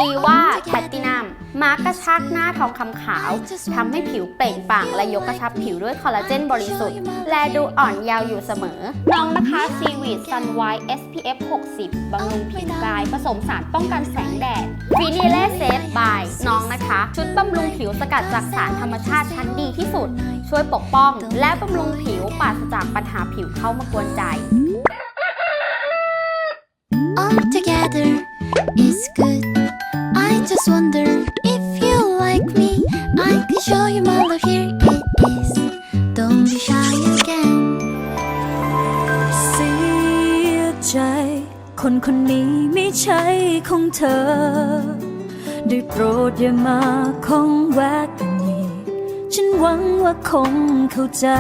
ดีว่าแพลตตินัมมาร์กกระชักหน้าทองคำขาวทำให้ผิวเปล่งปลั่งและยกกระชับผิวด้วยคอลลาเจนบริสุทธิ์และดูอ่อนเยาว์อยู่เสมอน้องนะคะซีวีดซันไวท์ SPF 60 บำรุงผิวกายผสมสารป้องกันแสงแดดฟินิเล่เซฟบายน้องนะคะชุดบำรุงผิวสกัดจากสารธรรมชาติชั้นดีที่สุดช่วยปกป้องและบำรุงผิวปราศจากปัญหาผิวเข้ามากวนใจ All together is good. I just wonder if you like me. I can show you my love. Here it is. Don't be shy again. เสียใจคนคนนี้ไม่ใช่ของเธอได้โปรดอย่ามาคงแวกกันอีกฉันหวังว่าคงเข้าใจ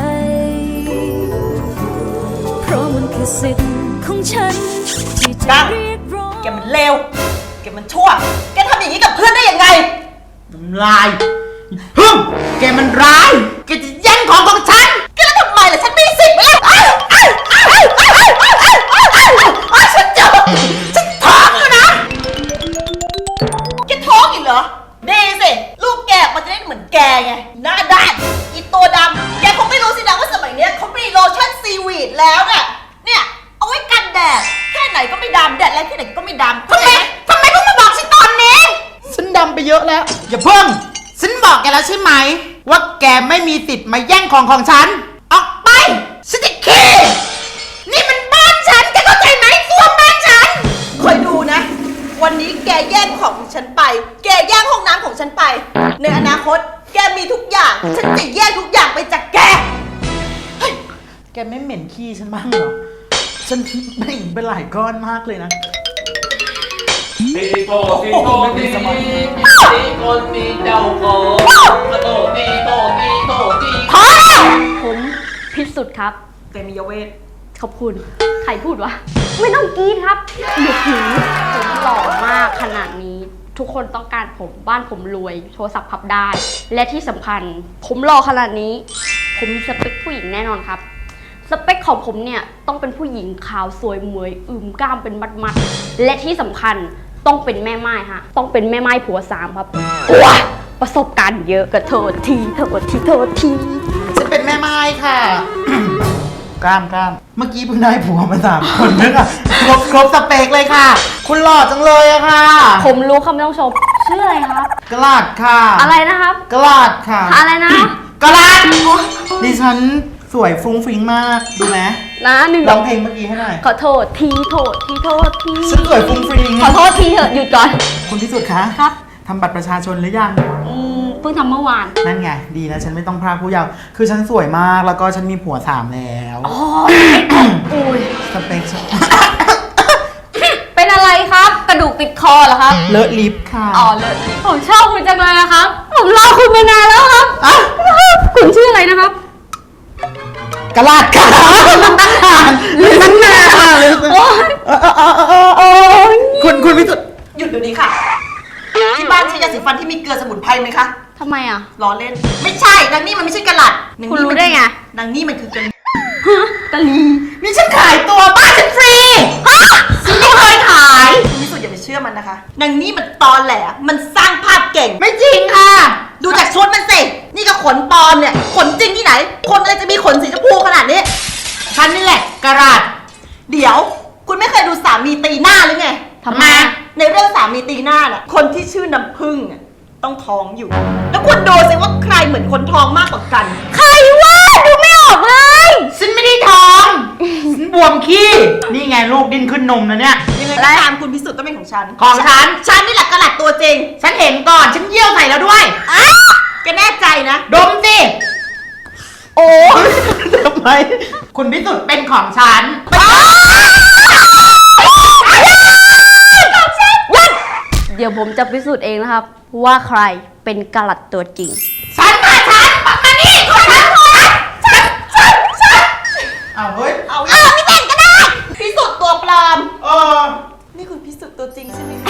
เพราะมันคือสิทธิ์ของฉันที่จะเรียกร้องแกมันเลวแกมันชั่วแกทำอย่างนี้กับเพื่อนได้ยังไงน้ำลายฮึ่มแกมันร้ายแกจะแย่งของฉันแกแล้วทำไมล่ะฉันมีสิทธิ์ไหมล่ะฉันเจอฉันท้องอยู่นะแกท้องอีกเหรอดีสิลูกแกมันจะได้เหมือนแกไงหน้าด้านอีตัวดำแกคงไม่รู้สินะว่าสมัยนี้เขามีโลชั่นซีวีดแล้วเนี่ยเอาไว้กันแดดแค่ไหนก็ไม่ดำแดดแรงแค่ไหนก็ไม่ดำทำไมเพิ่งมาบอกฉันตอนนี้ฉันดำไปเยอะแล้วอย่าเพิ่งฉันบอกแกแล้วใช่ไหมว่าแกไม่มีสิทธิ์มาแย่งของฉันออกไปฉันจะขี้นี่มันบ้านฉันแกเข้าใจไหมส้วมบ้านฉันคอยดูนะวันนี้แกแย่งของฉันไปแกแย่งห้องน้ำของฉันไปในอนาคตแกมีทุกอย่างฉันจะแย่งทุกอย่างไปจากแกเฮ้ยแกไม่เหม็นขี้ฉันบ้างเหรอฉันเบ่งไปหลายก้อนมากเลยนะตีโตตีโตตีตีคนมีเจ้าของโตตีโตตีโตตีพอผมพิสุทธิ์ครับเตมียเวทขอบคุณใครพูดวะไม่ต้องกรี๊ดครับหยุดหูผมหล่อมากขนาดนี้ทุกคนต้องการผมบ้านผมรวยโทรศัพท์พับได้และที่สำคัญผมหล่อขนาดนี้ผมมีสเปคผู้หญิงแน่นอนครับสเปคของผมเนี่ยต้องเป็นผู้หญิงขาวสวยมวยกล้ามเป็นมัดๆและที่สำคัญต้องเป็นแม่ไม้ฮะต้องเป็นแม่ไม้ผัวสามครับว้าประสบการณ์เยอะก็โทษทีฉันเป็นแม่ไม้ค่ะ กล้ามเมื่อกี้เพิ่งได้ผัวมา3 คนนึกอะครบสเปคเลยค่ะคุณหล่อจังเลยอะค่ะผมรู้คำไม่ต้องชมชื่ออะไรครับกลาดค่ะอะไรนะครับกลาดค่ะอะไรนะกลาดดิฉันสวยฟุ้งฟิ้งมากดูไหมนะหนึ่งร้องเพลงเมื่อกี้ให้หน่อยขอโทษทีฉันสวยฟุ้งฟิ้งขอโทษทีเถอะหยุดก่อนคุณพิสุทธิ์คะครับทำบัตรประชาชนหรือยังเพิ่งทำเมื่อวานนั่นไงดีนะฉันไม่ต้องพรากผู้เยาว์คือฉันสวยมากแล้วก็ฉันมีผัว3แล้วอ๋ออุ้ยสเปคเป็นอะไรครับกระดูกติดคอเหรอครับเลอะลิฟต์ค่ะอ๋อเลอะลิฟต์ผมชอบคุณจังเลยนะครับผมรอคุณมานานแล้วครับคุณชื่ออะไรนะครับกระลาดค่ะตั้งนานคุณพิสุทธิ์หยุดเดี๋ยวนี้ค่ะที่บ้านใช้ยาสีฟันที่มีเกลือสมุนไพรไหมคะทำไมอ่ะล้อเล่นไม่ใช่นางนี่มันไม่ใช่กระหลัดคุณรู้ได้ไงนางนี่มันคือกะลีกะลีนี่ฉันขายตัวบ้านฉันฟรีฉันไม่เคยขายคุณพิสุทธิ์อย่าไปเชื่อมันนะคะนางนี่มันตอแหลมันสร้างภาพเก่งไม่จริงค่ะดูจากชุดมันสินี่ก็ขนปลอมเนี่ยขนจริงที่ไหนคนอะไรจะมีขนสีชมพูขนาดนี้ฉันนี่แหละกระหลัดเดี๋ยวคุณไม่เคยดูสามีตีหน้าหรือไงทำไมในเรื่องสามีตีหน้าน่ะคนที่ชื่อน้ำผึ้งต้องท้องอยู่แล้วคุณดูสิว่าใครเหมือนคนท้องมากกว่ากันใครวะดูไม่ออกเลยฉันไม่ได้ท้องฉันบวมขี้นี่ไงลูกดิ้นขึ้นนมนะเนี่ยยังไงก็ตามคุณพิสุทธิ์ต้องเป็นของฉันฉันนี่แหละกระหลัดตัวจริงฉันเห็นก่อนฉันเยี่ยวใส่แล้วด้วยแกแน่ใจนะดมสิโอ้ทำไมคุณพิสุทธิ์เป็นของฉันเดี๋ยวผมจะพิสูจน์เองนะครับว่าใครเป็นกะหลัดตัวจริงฉันมานี่ฉันเอาเฮ้ยเอาไม่แต่งก็ได้พิสุทธิ์ตัวปลอมนี่คุณพิสุทธิ์ตัวจริงใช่ไหมคะ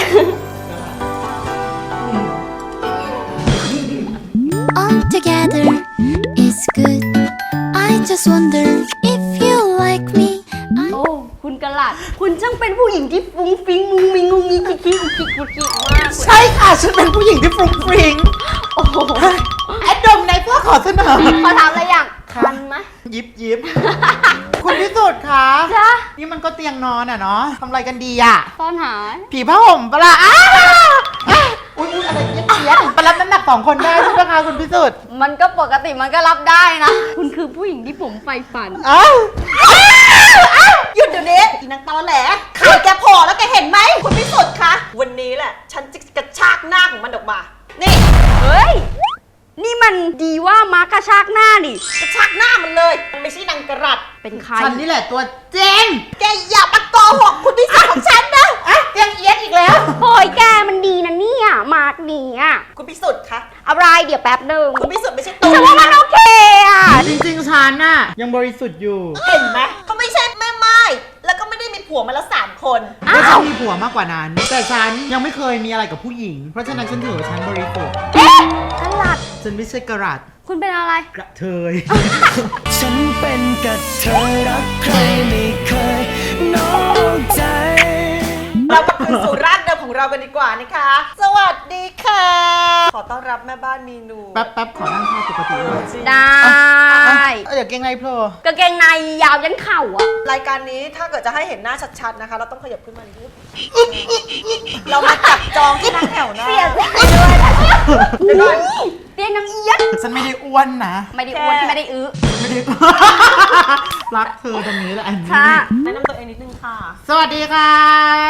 All together is good. I just wonder if you like me. โอ้คุณกะหลัดคุณช่างเป็นผู้หญิงที่ฟุ้งฟิ้งมุงมิงงุงงิงคิกคิกมากไม่ค่ะ ฉันเป็นผู้หญิงที่ฟรุ้งฟริ้งโอ้โหแอดดมในเพื่อขอเสนอขอถามอะไรอย่างคันไหมยิบยิบ คุณพิสุทธิ์คะจ๊ะนี่มันก็เตียงนอนอ่ะเนาะทำอะไรกันดีอ่ะซ่อนหายผีผ้าห่มปะล่ะอุ้ยอะไรเยี้ยนๆไปรับน้ำหนัก2 คนได้ใช่ไหมคะคุณพิสุทธิ์มันก็ปกติมันก็รับได้นะ คุณคือผู้หญิงที่ผมใฝ่ฝันอ้าวหยุดเดี๋ยวนี้อีนางตอแหลไข่แกโผล่แล้วแกเห็นไหมคุณพิสุทธิ์คะวันนี้แหละ ฉันจะกระชากหน้าของมันออกมา นี่เฮ้ย นี่มันดีว่าม้ากระชากหน้านี่กระชากหน้ามันเลย มันไม่ใช่นางกระรัดเป็นใครฉันนี่แหละตัวเจงแกอย่ามาโกหกคุณพิสุทธิ์ของฉันนะเตียงเอียดอีกแล้วโอยแกมันดีนะเนี่ยมาร์กดีอ่ะคุณพิสุทธิ์คะอะไรเดี๋ยวแป๊บหนึ่งคุณพิสุทธิ์ไม่ใช่ตัวฉันว่ามันโอเคอ่ะจริงๆฉันน่ะยังบริสุทธิ์อยู่เห็นไหมเขาไม่ใช่แม่ไม้แล้วก็ไม่ได้มีผัวมาแล้ว3 คนก็ฉันมีผัวมากกว่านั้น แต่ฉันยังไม่เคยมีอะไรกับผู้หญิง เพราะฉะนั้นฉันถือว่าฉันบริสุทธิ์เอ๊ะตลัดฉันไม่ใช่กระรัดคุณเป็นอะไรกระเทยฉันเป็นกระเทยรักใครไม่เคยนอกใจเรากลับคืนสู่รากเดิมของเรากันดีกว่านะคะ สวัสดีค่ะ ขอต้อนรับแม่บ้านมีนูแป๊บขอนั่งท่าปกติเลยได้เดี๋ยวเก่งในโผล่กางเกงในยาวยันเข่าอ่ะรายการนี้ถ้าเกิดจะให้เห็นหน้าชัดๆนะคะ เราต้องขยับขึ้นมานิดเรามาจับจองที่นั่งแถวหน้าเสียใจเดี๋ยวก่อนเตียงน้ำเอียดฉันไม่ได้อ้วนนะไม่ได้อ้วนไม่ได้อื้อไม่ได้ รักเธอตรงนี้แหละอันนี้ค่ะแนะนำตัวเองนิดนึงค่ะสวัสดีครับ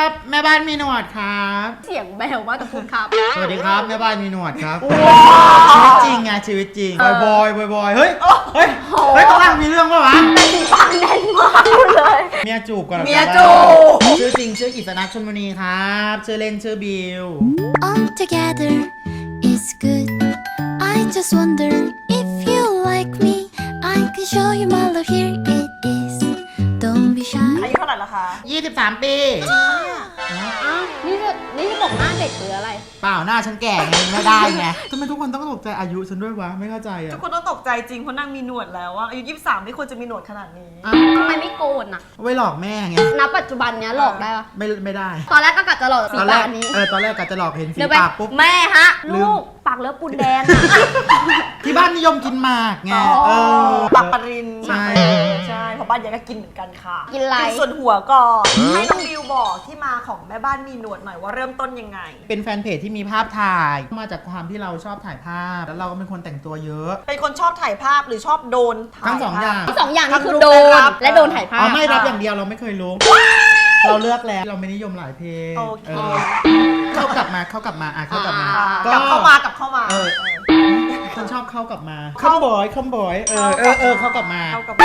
แม่บ้านมีหนวดครับเสียงแบวมากกับคุณครับสวัสดีครับแม่บ้านมีหนวดครับชีวิตจริงไงชีวิตจริงบอยเฮ้ยเฮ้ยข้างล่างมีเรื่องปะวะปากแน่นมากเลยเมียจูบก่อนหรอเมียจูบชื่อจริงชื่ออิสระชลบุรีครับชื่อเล่นชื่อบิว All together is good. I just wonder if you like me. I can show you my love. Here it is. Don't be shy. อายุเท่าไหร่ละคะ 23 ปีอ้าวนี่จะบอกหน้าเด็กหรืออะไรเปล่าหน้าฉันแก่ไงไม่ได้ไงทำไมทุกคนต้องตกใจอายุฉันด้วยวะไม่เข้าใจทุอ่ะกคนต้องตกใจจริงเพราะนางมีหนวดแล้วอะอายุ23ไม่ควรจะมีหนวดขนาดนี้ทำไมไม่โกนอ่ะไว้หลอกแม่ไงณปัจจุบันเนี้ยหลอกได้ปะไม่ได้ตอนแรกก็กะจะหลอกสีตอนแรปาก กนี้ตอนแรกกะจะหลอกเห็นสีเดี๋ยวไปปากปุ๊บแม่ฮะลืมลูกปากเลิฟปูนแดงอ่ะที่บ้านนิยมกินหมากไงอ๋อปากปรินใช่ใช่เพราะบ้านยายก็กินเหมือนกันค่ะกินอะไรส่วนหัวก่อนให้น้องบิวบอกที่มาของแม่บ้านมีหนวดหน่อยว่าเริ่มต้นยังไงเป็นแฟนเพจที่มีภาพถ่ายมาจากความที่เราชอบถ่ายภาพ แล้วเราก็เป็นคนแต่งตัวเยอะเป็นคนชอบถ่ายภาพหรือชอบโดนถ่ายทั้งสองอย่างทั้งสองอย่างนี่คือทั้งโดรูปนและรับและโดนถ่ายภาพอ๋อไม่รับอย่างเดียวเราไม่เคยรู้ เราเลือกแล้วเราไม่นิยมหลายเพลงโอเคเข้ากลับมาเข้ากลับมาเข้ากลับมากลับเข้ามาเออฉันชอบเข้ากลับมาคัมบอยเข้ากลับมาเข้ากับ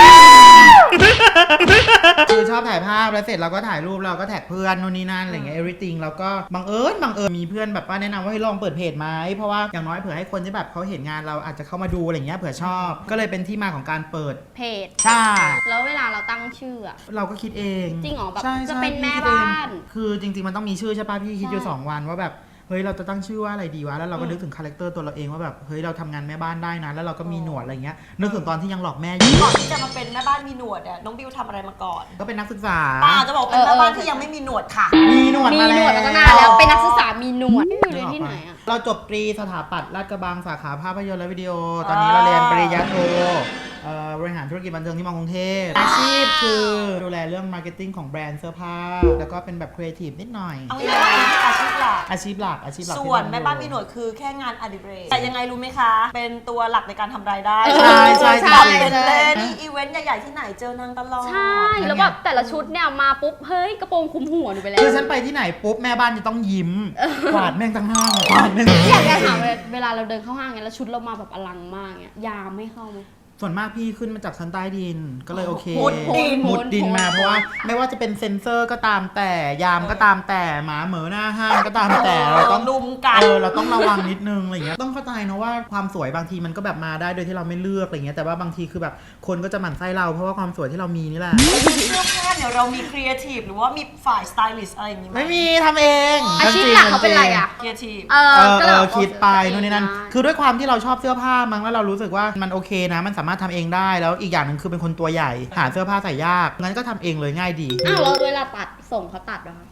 คือชอบถ่ายภาพแล้วเสร็จเราก็ถ่ายรูปเราก็แท็กเพื่อนนู่นนี่นั่นอะไรเงี้ย everything แล้วก็บังเอิญมีเพื่อนแบบว่าแนะนำว่าให้ลองเปิดเพจไหมเพราะว่าอย่างน้อยเผื่อให้คนที่แบบเขาเห็นงานเราอาจจะเข้ามาดูอะไรเงี้ยเผื่อชอบ ก็เลยเป็นที่มาของการเปิดเพจใช่แล้วเวลาเราตั้งชื่ออะเราก็คิดเองจริงเหรอแบบใช่จะใช่เป็นแม่พี่คิดเองบ้านคือจริงๆมันต้องมีชื่อใช่ป่ะพี่คิดอยู่ใช่ 2 วันว่าแบบเฮ้ยเราจะตั้งชื่อว่าอะไรดีวะแล้วเราก็นึกถึงคาแรคเตอร์ตัวเราเองว่าแบบเฮ้ยเราทำงานแม่บ้านได้นะแล้วเราก็มีหนวดอะไรเงี้ยนึกถึงตอนที่ยังหลอกแม่อยู่ก่อนที่จะมาเป็นแม่บ้านมีหนวดเนี่ยน้องบิวทำอะไรมาก่อนก็เป็นนักศึกษาป้าจะบอกเป็นแม่บ้านที่ยังไม่มีหนวดค่ะมีหนวดมีมาหนแล้ววดมาตั้งนานแล้วเป็นนักศึกษามีหนวดอยู่เรียนที่ไหนอะเราจบตรีสถาปัตย์ลาดกระบังสาขาภาพยนตร์และวิดีโอ ตอนนี้เราเรียนปริญญาโทบริหารธุรกิจบันเทิงที่มอกรุงเทพอาชีพคือดูแลเรื่องมาร์เก็ตติ้งของแบรนด์เสื้อผ้า แล้วก็เป็นแบบครีเอทีฟนิดหน่อยเอาง่ายๆเป็นอาชีพหลักอาชีพหลักที่ส่วนทำอยู่แม่บ้านมีหนวดคือแค่งานอดิเรกแต่ยังไงรู้ไหมคะ เป็นตัวหลักในการทำรายได้ใช่ใช่ใช่เป็นเล่นนี่อีเวนต์ใหญ่ๆที่ไหนเจอนางตลอดใช่ แล้วแบบแต่ละชุดเนี่ยมาปุ๊บ เฮ้ย กระโปรงคลุมหัวหนูไปแล้วคือฉันไปที่ไหนปุ๊บแม่บ้านจะต้องยิ้มกวาดแม่งทั้งห้างกวาดแม่งอยากจะถามเวลาเราเดินเข้าห้างเงี้ยแล้วชุดเรามาแบบอลังมากเงี้ยยามไม่เข้าไหมส่วนมากพี่ขึ้นมาจากชั้นใต้ดินก็เลยโอเคมุดดินมุดดินมาเพราะว่าไม่ว่าจะเป็นเซ็นเซอร์ก็ตามแต่ยามก็ตามแต่หมาเหมือหน้าห้างก็ตามแต่เราต้องลุมกันเราต้องระวังนิดนึงอะไรเงี้ยต้องเข้าใจนะว่าความสวยบางทีมันก็แบบมาได้โดยที่เราไม่เลือกอะไรเงี้ยแต่ว่าบางทีคือแบบคนก็จะหมั่นไส้เราเพราะว่าความสวยที่เรามีนี่แหละเสื้อผ้าเนี่ยเรามีครีเอทีฟหรือว่ามีฝ่ายสไตลิสต์อะไรอย่างงี้ไหมไม่มีทำเองอาชีพหลักเขาเป็นอะไรอ่ะครีเอทีฟก็เลยแบบคิดไปนู่นนี่นั่นได้คือด้วยความที่เราชอบเสื้อผ้ามั้งแล้วเรารู้สึกว่ามันโอเคนะมันสามารถทำเองได้แล้วอีกอย่างหนึ่งคือเป็นคนตัวใหญ่หาเสื้อผ้าใส่ยากงั้นก็ทำเองเลยง่ายดีอ้าวแล้วเวลาตัดส่งเขาตัดเหรอคะ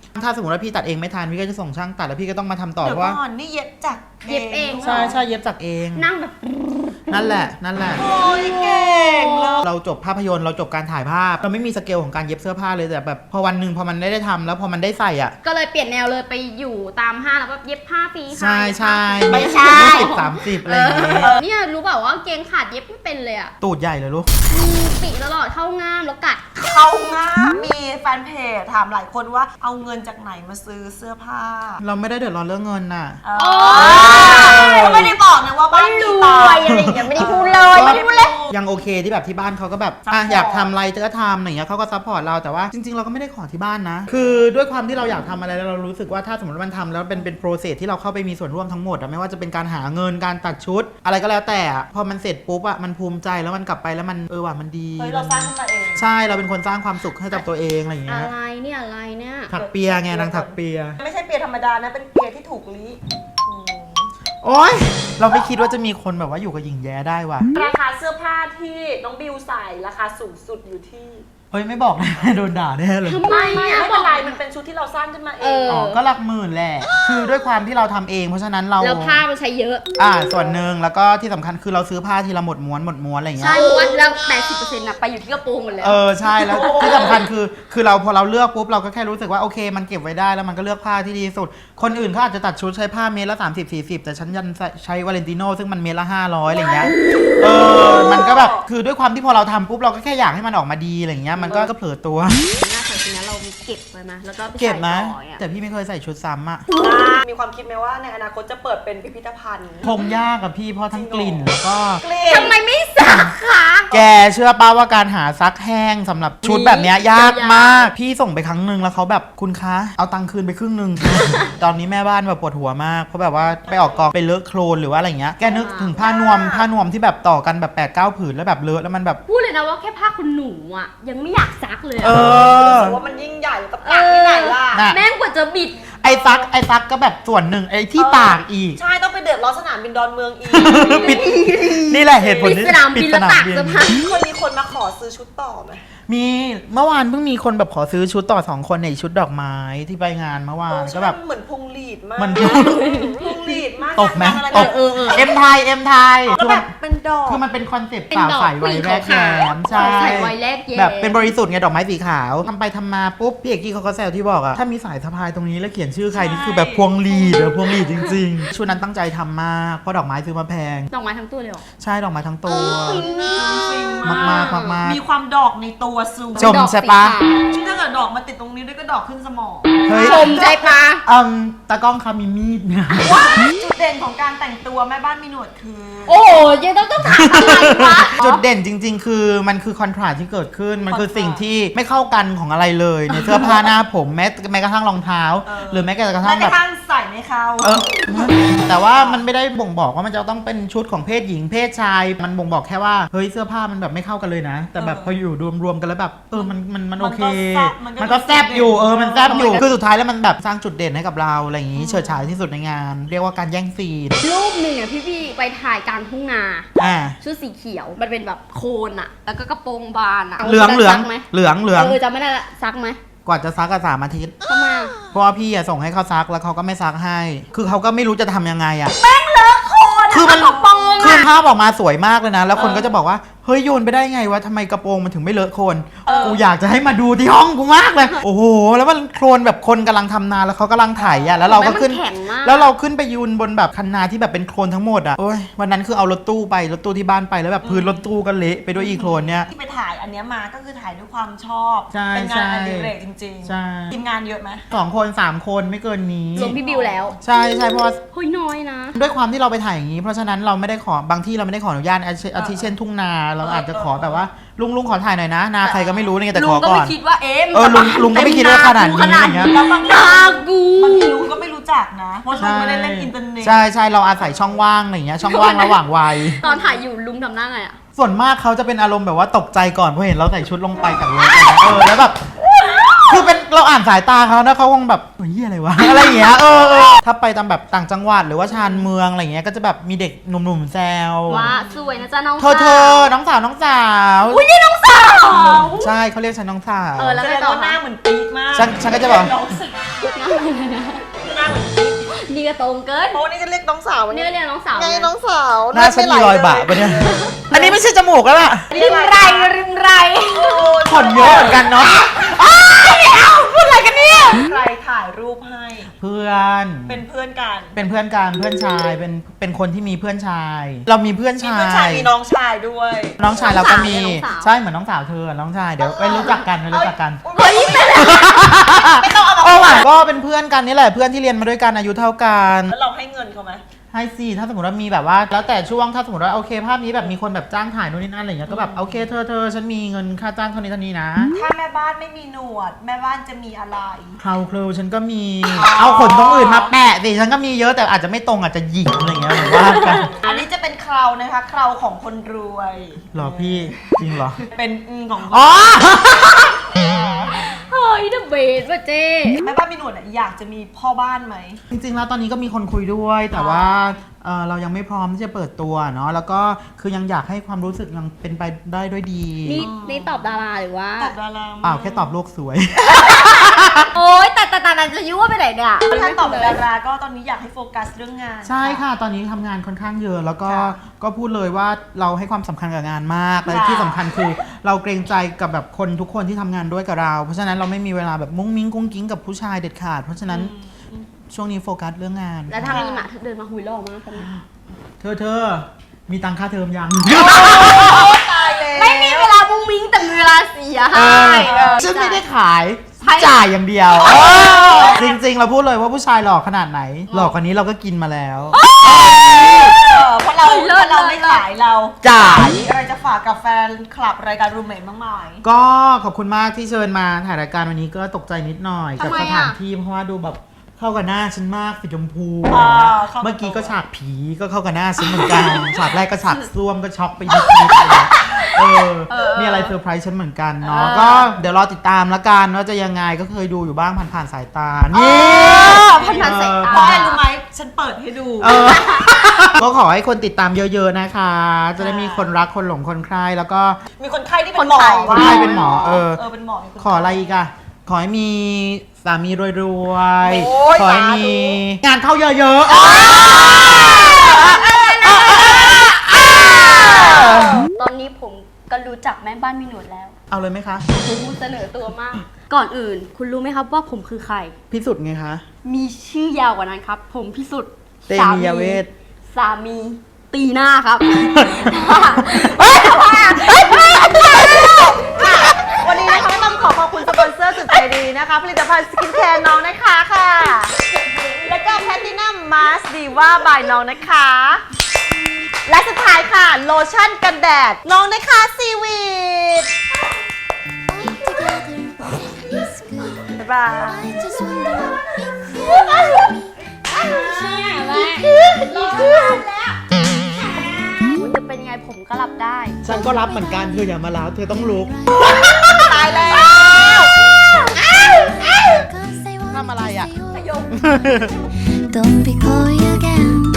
ถ้าสมมติว่าพี่ตัดเองไม่ทันพี่ก็จะส่งช่างตัดแล้วพี่ก็ต้องมาทำต่อเดี๋ยเพวราะว่าก่อนนี่เย็บจากเย็บเองใช่เย็บจากเองนั่งแบบนั่นแหละโอ้ยเก่งเลยเราจบภาพยนตร์เราจบการถ่ายภาพเราไม่มีสเกลของการเย็บเสื้อผ้าเลยแต่แบบพอวันหนึ่งพอมันได้ทำแล้วพอมันได้ใส่อ่ะก็เลยเปลี่ยนแนวเลยไปอยู่ตามห้างแล้วก็เย็บผ้าฟรีค่ะใช่ใช่ไม่ใช่ 20-30อะไรอย่างเงี้ยเนี่ยรู้เปล่าว่าเกงขาดเย็บไม่เป็นเลยอะตูดใหญ่เลยลูกมีปีกตลอดเข้าง่ามแล้วกัดเขาง่ามมีแฟนเพจถามหลายคนว่าเอาเงินจากไหนมาซื้อเสื้อผ้าเราไม่ได้เดือดร้อนเรื่องเงินน่ะก็ไม่ได้บอกนะว่าบ้านมีตังค์อะไรอย่างเงี้ยไม่ได้พูดเลยไม่ได้พูดเลยยังโอเคที่แบบที่บ้านเขาก็แบบอยากทำอะไรก็ทำอะไรอย่างเงี้ยเขาก็ซัพพอร์ตเราแต่ว่าจริงๆเราก็ไม่ได้ขอที่บ้านนะ คือด้วยความที่เราอยากทำอะไรแล้วเรารู้สึกว่าถ้าสมมติว่ามันทำแล้วเป็นโปรเซสที่เราเข้าไปมีส่วนร่วมทั้งหมดอะไม่ว่าจะเป็นการหาเงินการตัดชุด อะไรก็แล้วแต่อะพอมันเสร็จปุ๊บอะมันภูมิใจแล้วมันกลับไปแล้วมันว่ะมันดีเฮ้ยเราสร้างขึ้นมาเองใช่เราเป็นคนสร้างความสุขให้กับตัวเองอะไรอย่างเงี้อะยไรเนี่ยอะไรเนี่ยถักเปียไงนางถักเปียไม่ใช่เปียธรรมดานะเป็นเปียที่ถูกลิโอ๊ยเราไม่คิดว่าจะมีคนแบบว่าอยู่กับหญิงแย้ได้ว่ะราคาเสื้อผ้าที่น้องบิวใส่ราคาสูงสุดอยู่ที่เฮ้ยไม่บอกนะ โดนด่าแน่เลยทำไมไม่อะเป็นไรมันเป็นชุดที่เราสร้างขึ้นมาเองอ๋อก็หลักหมื่นแหละ คือด้วยความที่เราทำเองเพราะฉะนั้นเราแล้วผ้ามันใช้เยอะส่วนหนึ่งแล้วก็ที่สำคัญคือเราซื้อผ้าทีละหมดม้วนอะไรอย่างเงี้ใช่ยเพราะว่าแล้ว 80%น่ะไปอยู่ที่กระโปรงหมดแล้วใช่แล้วที่สำคัญคือเราพอเราเลือกปุ๊บเราก็แค่รู้สึกว่าโอเคมันเก็บไว้ได้แล้วมันก็เลือกผ้าที่ดีที่สุด คนอื่นเขาอาจจะตัดชุดใช้ผ้าเมตรละ30-40แต่ฉันยันใช้วาเลนติโนซึ่งมันเมตรละ500อะไรอย่างเงี้ยมันก็แบบคือด้วยความที่พอเราทำปุ๊บเราก็แค่อยากให้มันออกมาดีอะไรอย่างเงี้ยมันก็เผลอตัวน่าใส่ทีนี้เราเก็บไว้ไหมแล้วก็ไปเก็บนะใส่ต่ออ่ะแต่พี่ไม่เคยใส่ชุดซ้ำอะมีความคิดไหมว่าในอนาคตจะเปิดเป็นพิพิธภัณฑ์คงยากกับพี่เพราะทั้งกลิ่นแล้วก็ทำไมไม่สักคะแกเชื่อป้าว่าการหาซักแห้งสำหรับชุดแบบเนี้ยยากมาก พี่ส่งไปครั้งหนึ่งแล้วเขาแบบคุณคะเอาตังค์คืนไปครึ่งหนึ่ง ตอนนี้แม่บ้านแบบปวดหัวมากเพราะแบบว่าไปออกกองไปเลอะโคลนหรือว่าอะไรเงี้ยแกนึกถึงผ้านวมที่แบบต่อกันแบบ8-9 ผืนแล้วแบบเลอะแล้วมันแบบพูดเลยนะว่าแค่ผ้าคุณหนูอ่ะยังไม่อยากซักเลยเออะอรู้สึกว่ามันยิ่งใหญ่กับตากที่ไหนล่ะน่ะแม่งกว่าจะบิดไอ้ซักก็แบบส่วนหนึ่งไอ้ที่ตากอีกใช่ต้องไปเดือดร้อนสนามบินดอนเมืองอีกปิดนี่แหละเหตุผลปิดสนามบินแล้วตากเสื้อผ้าคนมีคนมาขอซื้อชุดต่อไหมมีเมื่อวานเพิ่งมีคนแบบขอซื้อชุดต่อ2 คนในชุดดอกไม้ที่ไปงานเมื่อวานก็แบบเหมือนพุงหลีดมากมันพุงหลีดมากตกไหมอะไรตกเอ็มไทยก็แบบเป็นดอกคือมันเป็นคอนเซ็ปต์เป็นสาวดอกใสวัยแรกแย้มใช่ใส่ไว้แรกแย้มแบบเป็นบริสุทธิ์ไงดอกไม้สีขาวทำไปทำมาปุ๊บพี่เอกกี้เขาก็แซวที่บอกอะถ้ามีสายสะพายตรงนี้แล้วเขียนชื่อใครนี่คือแบบพวงหลีดพวงหลีดจริงๆชุดนั้นตั้งใจทำมากเพราะดอกไม้ซื้อมาแพงดอกไม้ทั้งตัวเลยเหรอใช่ดอกไม้ทั้งตัวฟินมากๆมีความดอกในตัวสูงชมใช่ปะถ้าเกิดดอกมาติดตรงนี้ด้วยก็ดอกขึ้นสมองเฮ้ยชมใจปะตากล้องคะมีมีดเนี่ยจุดเด่นของการแต่งตัวแม่บ้านมีหนวดคือโอ้โหยังต้องถามอะไรวะจุดเด่นจริง ๆ คือมันคือคอนทราสต์ที่เกิดขึ้นมันคือสิ่งที่ไม่เข้ากันของอะไรเลยในเสื้อผ้าหน้าผมแม้กระทั่งรองเท้า หรือแม้กระทั่แม้งกแบระบทั่งใส่ไม่เข้าแต่ว่ามันไม่ได้บ่งบอกว่ามันจะต้องเป็นชุดของเพศหญิงเพศชายมันบ่งบอกแค่ว่าเฮ้ยเสื้อผ้ามันแบบไม่เข้ากันเลยนะ แต่แบบพออยู่รวมๆกันแล้วแบบมันโอเค มันก็แซบอยู่มันแซบอยู่คือสุดท้ายแล้วมันแบบสร้างจุดเด่นให้กับเราอะไรอย่างงี้เฉิดฉายที่สุดในงาน เรียกว่าการแย่งซีนรูปหนึ่งอ่ะพี่ไปถ่ายกลางทุ่งนา ชุดสีเขียวมันเป็นแบบโคนอ่ะ แล้วก็กระโปรงบานอ่ะเหลืองซักไหม จำไม่ได้ละซักไหมกว่าจะซักก็3 อาทิตย์ทำไมเพราะว่าพี่ส่งให้เขาซักแล้วเขาก็ไม่ซักให้ คือเขาก็ไม่รู้จะทำยังไงอะคือมันคือภาพออกมาสวยมากเลยนะ แล้วคนก็จะบอกว่าเฮ้ยโยนไปได้ไงวะทำไมกระโปรงมันถึงไม่เลอะโคลนกูอยากจะให้มาดูที่ห้องกูมากเลยโอ้โหแล้วมันโคลนแบบคนกำลังทำนาแล้วเขากำลังไถอะแล้วเราก็ขึ้นแข็งมากแล้วเราขึ้นไปยืนบนแบบคันนาที่แบบเป็นโคลนทั้งหมดอะโอ้ยวันนั้นคือเอารถตู้ที่บ้านไปแล้วแบบพื้นรถตู้ก็เละไปด้วยอีโคลนเนี่ยที่ไปถ่ายอันเนี้ยมาก็คือถ่ายด้วยความชอบใช่เป็นงานอดิเรกจริงใช่ทีมงานเยอะไหม 2 คน 3 คนไม่เกินนี้รวมพี่บิวแล้วใช่เพราะว่าเฮ้ยน้อยนะด้วยความที่เราไปถ่ายอย่างนี้เพราะฉะนั้นเราไม่ได้ขอบางที่เราไม่ได้ขออนุญาตอาทิเช่นทุ่งนาเราอาจจะขอแบบว่าลุงขอถ่ายหน่อยนะนาใครก็ไม่รู้นี่แต่ลุขงอก็ก่อไม่นคิดว่าลุงก็ไม่คิดว่าขนาดนี้อย่างเงี้ยแล้วบางนากูทีลุงก็ไม่รู้จักนะเพราะลุงไม่ได้เล่นอินเทอร์เน็ตใช่เราอาศัยช่องว่างอะไรอย่างเงี้ยช่องว่างระหว่างวัยตอนถ่ายอยู่ลุงทำหน้าไงอ่ะส่วนมากเขาจะเป็นอารมณ์แบบว่าตกใจก่อนเพราะเห็นเราใส่ชุดลงไปกับรถแล้วแบบเราอ่านสายตาเขานะเขาคงแบบเฮ้ยอะไรวะ อะไรอย่างเงี้ยถ้าไปตามแบบต่างจังหวัดหรือว่าชานเมืองอะไรเงี้ยก็จะแบบมีเด็กหนุ่มๆแซวว่าสวยนะจ๊ะน้องเธอน้องสาวอุ้ยนี่น้องสาวใช่เขาเรียกฉันน้องสาวแล้วแสไงดงต่อว่าหน้าเหมือนปี๊ดมากฉันก็จะบอกน้องสาวหน้าเหมือนปี๊ดนี่ก็ตรงเกินเพราะว่านี่จะเรียกน้องสาวนี่ก็เรียกน้องสาวไงน้องสาวหน้าฉันมีรอยบะปะเนี่ย อันนี้ไม่ใช่จมูกแล้วล่ะริมไรริมไรขนเยอะเหมือนกันเนาะพูดอะไรกันเนี่ยใครถ่ายรูปให้เพื่อนเป็นเพื่อนกันเป็นเพื่อนกันเพื่อนชายเป็นคนที่มีเพื่อนชาย เรามีเพื่อนมีชาเพื่อนชายยมีน้องชายด้วยน้องชายเราก็มีน้องสาวใช่เหมือนน้องสาวเธอน้องชายเดี๋ยวไปรู้จักกันไปรู้จักกันเฮ้ยไม่ต้องเอามาโอ้ยก็เป็นเพื่อนกันนี่แหละเพื่อนที่เรียนมาด้วยกันอายุเท่ากันแล้วเราให้เงินเขาไหมให้สิถ้าสมมติว่ามีแบบว่าแล้วแต่ช่วงถ้าสมมติว่าโอเคภาพนี้แบบมีคนแบบจ้างถ่ายนู่นนี่นั่นอะไรเงี้ยก็แบบโอเคเธอฉันมีเงินค่าจ้างเท่านี้นะถ้าแม่บ้านไม่มีหนวด แม่บ้านจะมีอะไรเคราครูฉันก็มีเอาขนตรงอื่นมาแปะสิฉันก็มีเยอะแต่อาจจะไม่ตรงอาจจะหยิกอะไรเงี้ยหรือว่ากันอันนี้จะเป็นเคราวนะคะเคราวของคนรวยหรอพี่จริงเหรอเป็นของอ๋อเฮ้ยเดอะเบสว่ะเจ๊แม่บ้านมีหนวดอยากจะมีพ่อบ้านไหมจริงๆแล้วตอนนี้ก็มีคนคุยด้วยแต่ว่าเรายังไม่พร้อมที่จะเปิดตัวเนาะแล้วก็คือยังอยากให้ความรู้สึกยังเป็นไปได้ด้วยดีนี่ตอบดาราหรือว่าตอบดาราเปล่าแค่ตอบโลกสวยโอ๊ยแต่นั้นจะยุ่งว่าไปไหนเนี่ยถ้าตอบดาราก็ตอนนี้อยากให้โฟกัสเรื่องงานใช่ค่ะตอนนี้ทำงานค่อนข้างเยอะแล้วก็พูดเลยว่าเราให้ความสำคัญกับงานมากและที่สำคัญคือเราเกรงใจกับแบบคนทุกคนที่ทำงานด้วยกับเราเพราะฉะนั้นเราไม่มีเวลาแบบมุ้งมิ้งกุ้งกิ้งกับผู้ชายเด็ดขาดเพราะฉะนั้นช่วงนี้โฟกัสเรื่องงานแล้วถ้ามีหมาเดินมาหุยหล่อมากคนนี้เธอมีตังค่าเทอมยังตายเลยไม่มีเวลามุ้งมิ้งแต่มีเวลาเสียให้ฉันไม่ได้ขายใช่จ่ายอย่างเดียวจริงๆเราพูดเลยว่าผู้ชายหล่อขนาดไหนหล่อกว่านี้เราก็กินมาแล้วเพราะเราไม่ขายเราจ่ายอะไรจะฝากกับแฟนคลับรายการรูมเมทบ้างไหมก็ขอบคุณมากที่เชิญมาถ่ายรายการวันนี้ก็ตกใจนิดหน่อยกับทำไมสอะถานที่เพราะว่าดูแบบเข้ากับหน้าฉันมากสีชมพูเข้ากับเมื่อกี้ก็ฉากผีก็เข้ากับหน้าฉันเหมือนกัน ฉากแรกก็ฉากซ่วมก็ช็อกไปยิบอะไรมีอะไรเซอร์ไพรส์ฉันเหมือนกันเนาะก็เดี๋ยวรอติดตามละกันว่าจะยังไงก็เคยดูอยู่บ้างผ่านๆสายตานี่ผ่านๆสายตาเพราะอะไรรู้ไหมฉันเปิดให้ดูก็ขอให้คนติดตามเยอะๆนะคะ จะได้มีคนรักคนหลงคนใคร่แล้วก็มีคนไข้ที่เป็นหมอคนไข้เป็นหมอเป็นหมอมีคนขออะไรอีกอะขอให้มีสามีรวยโอ้ยๆขอให้มีงานเข้าเยอะๆตอนนี้ผมก็รู้จักแม่บ้านมีหนวดแล้วเอาเลยไหมคะคุณเสนอตัวมาก ก่อนอื่น คุณรู้ไหมครับว่าผมคือใครพิสุทธิ์ไงคะมีชื่อยาวกว่านั้นครับ ผมพิสุทธิ์เตมียเวทสามีตีหน้าครับวันนี้นะคะต้องขอบคุณสปอนเซอร์สุดใจดีนะคะ ผลิตภัณฑ์สกินแคร์น้องนะคะค่ะ แล้วก็แพลตินัมมาสดีว่าบายน้องนะคะ และสุดท้ายค่ะ โลชั่นกันแดดน้องนะคะซีวีด All together is good. บ๊ายบาย I just wonder if you like me. I will show you. คุณจะเป็นยังไงผมก็รับได้ฉันก็รับเหมือนกันเธออย่ามาล้าเธอต้องลุกตายแล้ว Cause I want ทำอะไร to อ่ะ stay home. Don't be coy again.